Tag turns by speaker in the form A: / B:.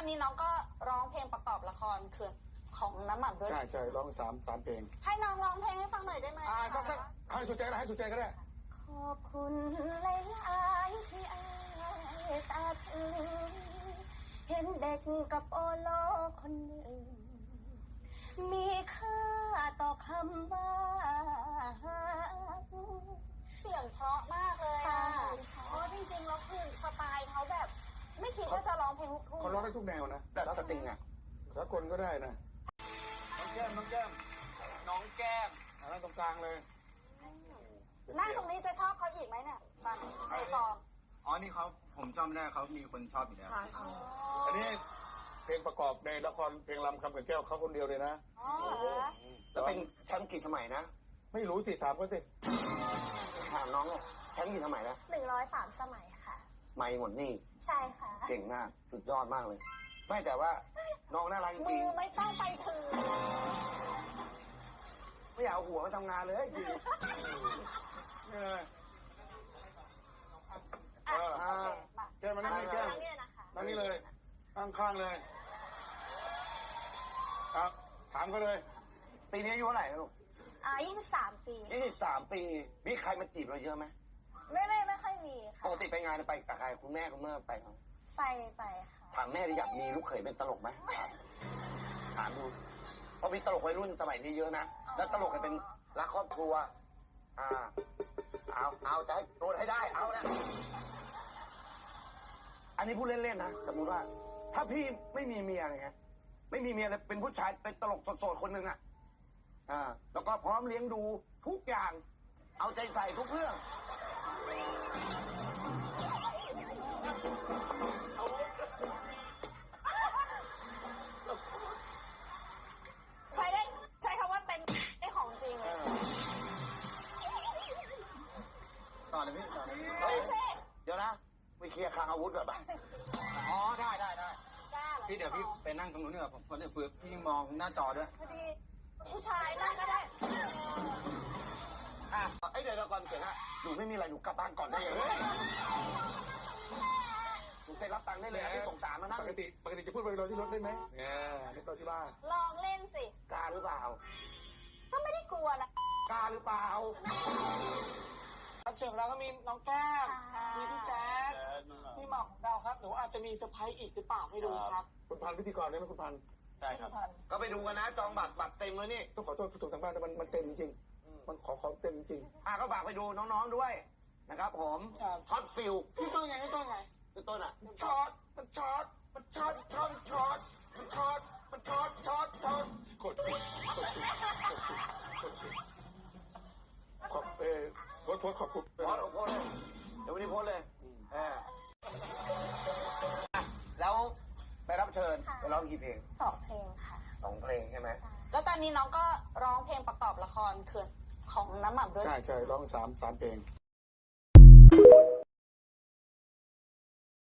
A: อนนี้น้องก็ร้องเพลงประกอบละครคือของน้ำหม่ำด้วย
B: ใช่ร้องสามเพลง
A: ให้น้องร้องเพลงให้ฟังหน่อยได้ไหม
B: สักให้สุดใจก็ได้ให้สุดใจก็ได้
A: ขอบคุณหลายๆที่อายตาถึงเห็นเด็กกับโอโลคนหนึ่งมีค่าต่อคำว่าเสียงเพราะมากเลยอ่ะเพราะจริงๆแล้วคือสไตล์เขาแบบไม่คิดว่าจะร้องเพลงลูกทุ่ง
B: เขาร้องได้ทุกแนวนะ
C: แต่สตริงอ่ะ
B: สากลก็ได้นะน้องแก้มนั่งตรงกลางเลย
A: นั่งตรงนี้จะชอบเขาอีกไหมเนี่ยฟังไอ้ฟอง
D: อ๋อนี่เขาผมจำไม่ได้เขามีคนชอบอยู่แล้ว
B: อันนี้เพลงประกอบในละครเพลงลำคำเขื่อนแก้วเขาคนเดียวเลยนะ
C: แล้วเป็นแชมป์กี่สมัยนะ
B: ไม่รู้สิถามเขาสิ
C: ถามน้องอ่ะแชมป์กี่สมัยนะ
A: 103 สมัยค่ะ
C: ไม่หมดนี่
A: ใช่ค่ะ
C: เก่งมากสุดยอดมากเลยไม่แต่ว่าน้องน่ารักจริง
A: มือไม่ต้องไปถึง
C: ไม่อยากเอาหัวมาทำงานเลยจริง
B: นี่เลยแก้มมานั่งนี่แก้มนั่งนี่เลยข้างเลยครับถามเขาเลย
C: ปีนี้อายุเท่าไหร่ลูก
A: 23 ปี
C: 23 ปีมีใครมาจีบเราเยอะไหม
A: ไม่ค่อยมีค่ะ
C: ปกติไปงานไปกับใครคุณแม่คุณเมื่อไปเขา
A: ไปค่ะ
C: ถามแม่ดิอยากมีลูกเขยเป็นตลกไหมถามดูเพราะมีตลกวัยรุ่นสมัยนี้เยอะนะแล้วตลกกันเป็นรักครอบครัวเอาจะให้โดนให้ได้เอานะอันนี้พูดเล่นๆนะสมมติว่าถ้าพี่ไม่มีเมียไงไม่มีเมียเลยเป็นผู้ชายเป็นตลกโสดๆคนหนึ่งแล้วก็พร้อมเลี้ยงดูทุกอย่างเอาใจใส่ทุกเรื่อง
A: ใช้คำว่าเป็นไอ้ของจริงเลย
D: ต่อเลยพี่
C: เดี๋ยวนะไปเคลียร์คลังอาวุธก่อนป่ะ
D: อ๋อได้พี่เดี๋ยวพี่ไปนั่งตรงนู้นดีกว่าผมจะฝึกพี่มองหน้าจอด้วย
A: พอดีผู้ชายนั่งก็ได้
C: เดี๋ยวก่อนเสร็จนะหนูไม่มีอะไรหนูกลับบ้านก่อนได้เลยหนูเซ็นรับตังค์ได้เลยที่ส่งสารมานั่ง
B: ปกติจะพูดไปรอที่รถได้ไหมไม่รอที่บ้าน
A: ลองเล่นสิ
C: กล้าหรือเปล่า
A: ก็ไม่ได้กลัวนะ
C: กล้าหรือเปล่า
E: เชิญแล้วก็มีน้องแก้มมีพี่แจ๊คมีหม่ำเราครับหนูอาจจะมีเซอร์ไพรส์อีกหรือเปล่าให้ดูครับ
B: คุณพันพิธีกรได้ไหมคุณพัน
C: ใช่ครับก็ไปดูกันนะจองบัตรเต็มเลยนี่
B: ต้องขอโทษผู้ชมทางบ้านมันเต็มจริงมันขอเต็มจริง
C: ก็ฝากไปดูน้องๆด้วยนะครับผมช็อตฟิล
E: ที่ต้นไง
C: คือต้นอ่ะ
B: มันช็อตกดขอบคุณ
C: โพสเลยเดี๋ยววันนี้โพสเลยแล้วไปรับเชิญไปร้องกี่เพลง
A: 2 เพลงค่ะ
C: 2 เพลงใช่ไหม
A: แล้วตอนนี้น้องก็ร้องเพลงประกอบละครคือของน้ำหม่ำด้วย
B: ใช่ร้องสามเพลง